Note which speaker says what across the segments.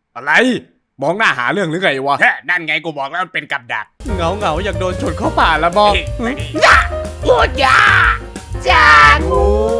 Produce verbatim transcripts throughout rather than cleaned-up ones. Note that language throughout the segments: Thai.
Speaker 1: อะไรมองหน้าหาเรื่องหรือไงวะ
Speaker 2: นั่นไงกูบอกแล้วมันเป็นกับดัก
Speaker 1: เงาเงาอยากโดนชนเข้าป่าละบอก
Speaker 2: จ้าพูดยาจางู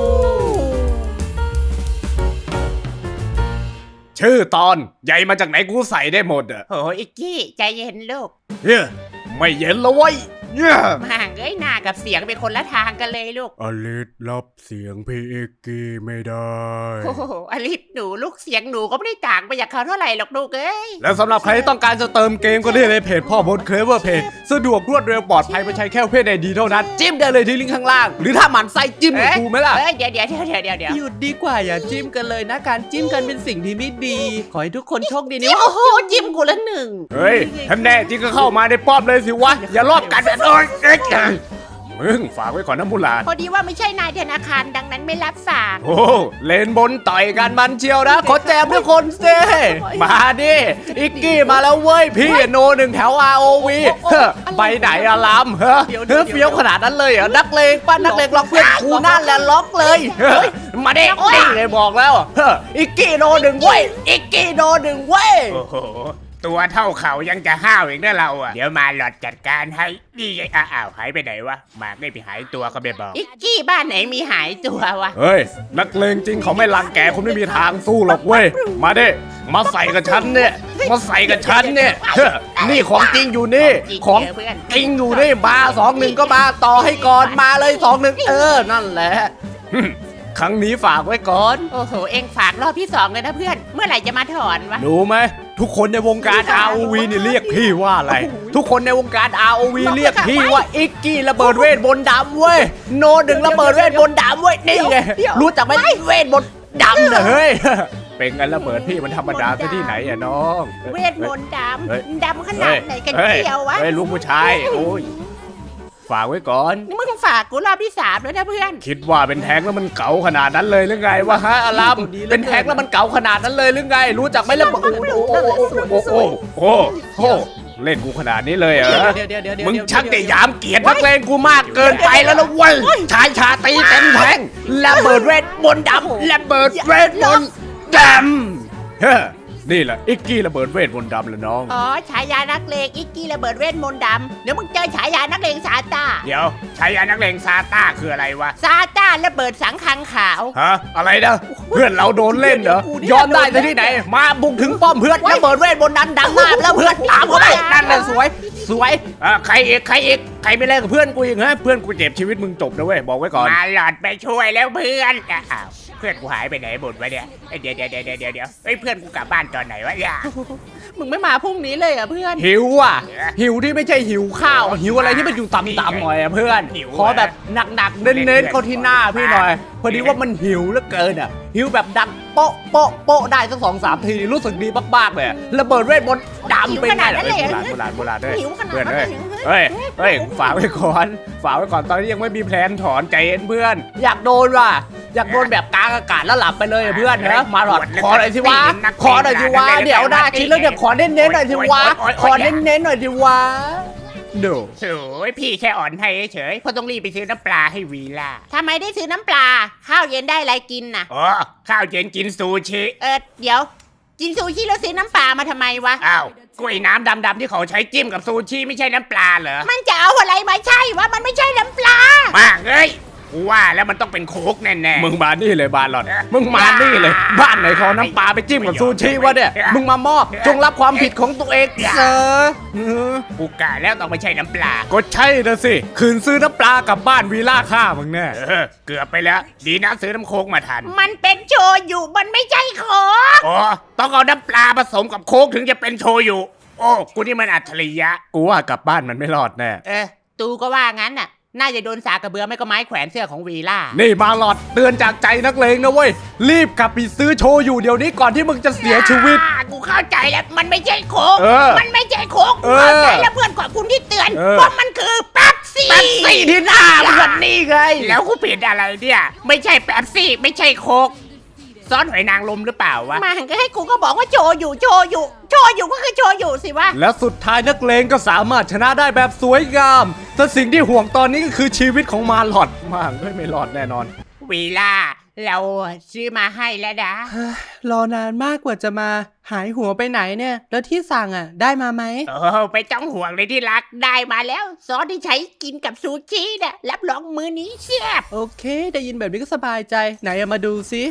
Speaker 1: ชื่อตอนใหญ่มาจากไหนกูใส่ได้หมดอะ
Speaker 2: โหอิกกี้ใจเย็นลูก
Speaker 1: เฮ้ยไม่เย็นแล้วเว้ยเฮ้ย
Speaker 2: ห่างเอ้ยหน้ากับเสียงเป็นคนละทางกันเลยลูก
Speaker 1: อลิสรับเสียงพี่เอกกี้ไม่ได้
Speaker 2: โอ้โหอลิสหนูลูกเสียงหนูก็ไม่ได้ต่างไปจากเขาเท่าไหร่หรอกลูกเอ้ย
Speaker 1: แล้วสำหรับใครที่ต้องการจะเติมเกมก็ได้ในเพจพ่อบดเคลเวอร์เพจสะดวกรวดเร็วปลอดภัยไม่ใช้แค่เพจใดดีเท่านั้นจิ้มได้เลยที่ลิงก์ข้างล่าง หรือถ้าหมันไส้จิ้มกับกูไหมล่ะ
Speaker 2: เอ้ยเดี๋ยวเดี๋ยวเดี๋ยวเดี๋ยวเดี๋ยวเดี๋ยว
Speaker 3: หยุดดีกว่าอย่าจิ้มกันเลยนะการจิ้มกันเป็นสิ่งที่ไม่ดี ขอให้ทุกคนโชคดีนะ
Speaker 2: โอ้โหจิ้มกูละหนึ่ง
Speaker 1: เฮ้ยท่านแน่จริงก็เข้ามาในป้อมเลยสิวะอย่ารอบกันเอ้ยเอ้ยมึงฝากไว้ก่อนนะมูหลาน
Speaker 2: พอดีว่าไม่ใช่นายธนาคารดังนั้นไม่รับฝาก
Speaker 1: โอ้เลนบนต่อยกันมันเชียวนะขอแจมทุกคนสิมาดิอิกกี้มาแล้วเว้ยพี่โนหนึ่งแถว อาร์ โอ วี เฮ้อไปไหนอะลำเฮ้อเฮ้อเฟี้ยวขนาดนั้นเลยเหรอนักเลงป้านักเลงล็อกเพื่อนกูนั่นแหละล็อกเลยเฮ้ยมาดินี่เลยบอกแล้วเฮ้ออิกกี้โนหนึ่งเว้ยอิกกี้โนหนึ่งเว้ย
Speaker 2: โอ้โหตัวเท่าเขายังจะห้าวอีกนะเราอ่ะเดี๋ยวมาหลอดจัดการให้นี่ไงอ้าวหายไปไหนวะหมากได้ไปหายตัวก็ไม่บอกอิกกี้บ้านไหนมีหายตัววะ
Speaker 1: เฮ้ยนักเลงจริงเขาไม่รังแกคนไม่มีทางสู้หรอกเว้ยมาดิมาใส่กับฉันเนี่ยมาใส่กับฉันเนี่ยเฮ้อนี่ของจริงอยู่นี่ของจริงอยู่นี่มาสองหนึ่งก็มาต่อให้ก่อนมาเลยสองหนึ่งเออนั่นแหละครั้งนี้ฝากไว้ก่อน
Speaker 2: โอ้โหเอ็งฝากรอบที่สองเลยนะเพื่อนเมื่อไหร่จะมาถอนวะ
Speaker 1: รู้ไหมทุกคนในวงการ อาร์ โอ วี นี่เรียกพี่ว่าอะไร ทุกคนในวงการ อาร์ โอ วี เรียกพี่ว่าอิกกี้ระเบิดเวทบนต์ดำเว้ยโนดึงระเบิดเวทบนต์ดำเว้ยนี่ไงรู้จักไหมเวทบนต์ดำเหรอเฮ้ยเป็นไงระเบิดพี่มันธรรมดาซะที่ไหนอะน้อง
Speaker 2: เวทมนต์ด
Speaker 1: เฮ้ย
Speaker 2: ำดำขนาดไหนกัน
Speaker 1: ฮ้
Speaker 2: เชียววะ
Speaker 1: เฮ้ยลูกผู้ชายโอ้ยฝากไว้ก่อน
Speaker 2: นี่มึงฝากกูรอบที่สามแล้วนะเพื่อน
Speaker 1: คิดว่าเป็นแท้งแล้วมันเก๋าขนาดนั้นเลยหรือไงวะฮะอารัมเป็นแท้งแล้วมันเก๋าขนาดนั้นเลยหรือไง รู้จักไหมระเบิดโอ้โหโอ้โหโอ้โหเล่นกูขนาดนี้เลยเหรอ
Speaker 3: เดี๋ยวเดี๋ยวเดี๋ยวเดี๋ยว
Speaker 1: มึงชักแต่ยามเกียรตินักเลงกูมากเกินไปแล้วนะเว้ยชายชาตรีเต็มแทงระเบิดเวทมนต์ดำระเบิดเวทมนต์ดำเฮ้อนี่แหละอิกกี้ระเบิดเวทมนต์ดำเลยน้อง
Speaker 2: อ๋อฉายานักเลงอิกกี้ระเบิดเวทมนต์ดำเดี๋ยวมึงเจอฉายานักเลงซาตา
Speaker 1: เดี๋ยวชายานักเลงซาต้าคืออะไรวะ
Speaker 2: ซาตาระเบิดสังคังขาว
Speaker 1: ฮะอะไรนะเพื่อนเราโดนเล่นเหรอยอมได้ที่ไหน มาบุกถึงป้อมเพื่อนระเบิดเวทมนต์นั้นดังมากแล้วเพื่อนตามเขาไปนั่นแหละสวย สวยอ่ะใครอีกใครอีกใครไม่เล่นกับเพื่อนกูอีกฮะเพื่อนกูเจ็บชีวิตมึงจบนะเว้ยบอกไว้ก่อน
Speaker 2: มาหลอดไปช่วยแล้วเพื่อนอ้าวเพื่อนกูหายไปไหนหมดวะเนี่ยเดี๋ยวเดี๋ยวเดี๋ยวเดี๋ยวเดี๋ยวเฮ้ยเพื่อนกูกลับบ้านตอนไหนวะเนี่ย
Speaker 3: มึงไม่มาพรุ่งนี้เลยเหรอ่ะเพื่อน
Speaker 1: หิวอ่ะหิวที่ไม่ใช่หิวข้าวหิวอะไรที่มันอยู่ต่ำๆหน่อยอ่ะเพื่อนขอแบบหนักๆเน้นๆเข้าที่หน้าพี่หน่อยพอดีว่ามันหิวเหลือเกินอ่ะหิวแบบดังโป๊ะโป๊ะโป๊ะได้สักสองสามทีรู้สึกดีมากๆเลยระเบิดเวทมนต์ดำเป็นไงล่ะโบราณโบราณโบราณเลย
Speaker 2: หิวขนาด
Speaker 1: เพื่อน
Speaker 2: นั้น
Speaker 1: เอ้ย
Speaker 2: เลย
Speaker 1: เฮ้ยเฮ้ยฝากไว้ก่อนฝากไว้ก่อนตอนนี้ยังไม่มีแพลนถอนใจเย็นเพื่อน อยากโดนว่ะอยากโดนแบบกลางอากาศแล้วหลับไปเลยอะเพื่อนนะมาหลอดขอหน่อยสิวะขอหน่อยสิวะเดี๋ยวได้ชิ้นแล้วเดี๋ยวขอเน้นๆหน่อยสิวะขอเน้นๆหน่อยสิวะโด
Speaker 2: โอ้ยพี่แค่อ่อนให้เฉยเพราะต้องรีบไปซื้อน้ำปลาให้วีล่าทำไมได้ซื้อน้ำปลาข้าวเย็นได้อะไรกินน่ะ
Speaker 1: อ๋อข้าวเย็นกินซูชิ
Speaker 2: เออเดี๋ยวกินซูชิแล้วซื้อน้ำปลามาทำไมวะ
Speaker 1: อ้าวกล้วยน้ำดำๆที่เขาใช้จิ้มกับซูชิไม่ใช่น้ำปลาเหรอ
Speaker 2: มันจะเอาอะไรมาใช่วะมันไม่ใช่น้ำปลา
Speaker 1: มากเอ้ยกูว่าแล้วมันต้องเป็นโค้กแน่ๆมึงมานี่เลยบานหลอดมึงมานี่เลยบ้านไหนเขาน้ำปลาไปจิ้มกับซูชิวะเนี่ยมึงมามอบจงรับความผิดของตัวเองเซอร์
Speaker 2: กูกะแล้วต้องไม่ใช่น้ำปลา
Speaker 1: ก็ใช่นะสิคืนซื้อน้ำปลากลับบ้านวีล่าฆ่ามึงแน่
Speaker 2: เออเกือบไปแล้ว ดีนะซื้อน้ำโค้กมาทัน มันเป็นโชยุมันไม่ใช่โค้กอ๋อต้องเอาน้ำปลาผสมกับโค้กถึงจะเป็นโชยุโอ้กูนี่มันอัจฉริยะ
Speaker 1: กูว่ากลับบ้านมันไม่รอดแน่
Speaker 2: เออตูก็ว่างั้นน่ะน่าจะโดนสากกระเบือไม่ก็ไม้แขวนเสื้อของวีล่า
Speaker 1: นี่มาหลอดเตือนจากใจนักเลงนะเว้ยรีบกลับไปซื้อโชอยู่เดี๋ยวนี้ก่อนที่มึงจะเสียชีวิต
Speaker 2: อ่ากูเข้าใจแล้วมันไม่ใช่โค้ก
Speaker 1: เออ
Speaker 2: มันไม่ใช่โค้ก
Speaker 1: เอ
Speaker 2: กู
Speaker 1: อ
Speaker 2: เข้าใจแล้วเพื่อนขอบคุณที่เตือน
Speaker 1: เออ
Speaker 2: เพราะมันคือแป๊บซี่
Speaker 1: แป๊บซี่ที่หน้ามึงอะนี่ไง
Speaker 2: แล้วกูผิดอะไรเนี่ยไม่ใช่แป๊บซี่ไม่ใช่โค้กซ้อนหอยนางรมหรือเปล่าวะมาหันก็ให้กูก็บอกว่าโชอยู่โชอยู่โชอยู่ก็คือโชอยู่สิวะ
Speaker 1: และสุดท้ายนักเลงก็สามารถชนะได้แบบสวยงามแต่สิ่งที่ห่วงตอนนี้ก็คือชีวิตของมาหลอดมากไม่ไม่รอดแน่นอน
Speaker 2: วีล่าเราซื้อมาให้แล้วนะ
Speaker 3: รอนานมากกว่าจะมาหายหัวไปไหนเนี่ย แล้วที่สั่งอ่ะ ได้มาไหม
Speaker 2: โอ้ไปจ้องห่วงเลยที่รักได้มาแล้วซอสที่ใช้กินกับซูชิเนี่ยรับรองมื้อนี้แซ่บ
Speaker 3: โอเค ได้ยินแบบนี้ก็สบายใจ ไหนเอามาดูสิ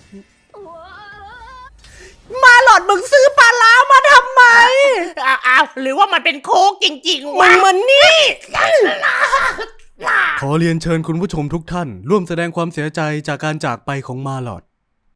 Speaker 3: มาหลอดมึงซื้อปลาล้ามาทำไม
Speaker 2: อ้าวอ้าวหรือว่ามันเป็นโค้กจริงๆ
Speaker 3: มึ
Speaker 2: วะ
Speaker 3: งมันนี่
Speaker 4: ขอเรียนเชิญคุณผู้ชมทุกท่าน ร่วมแสดงความเสียใจจากการจากไปของมาลอด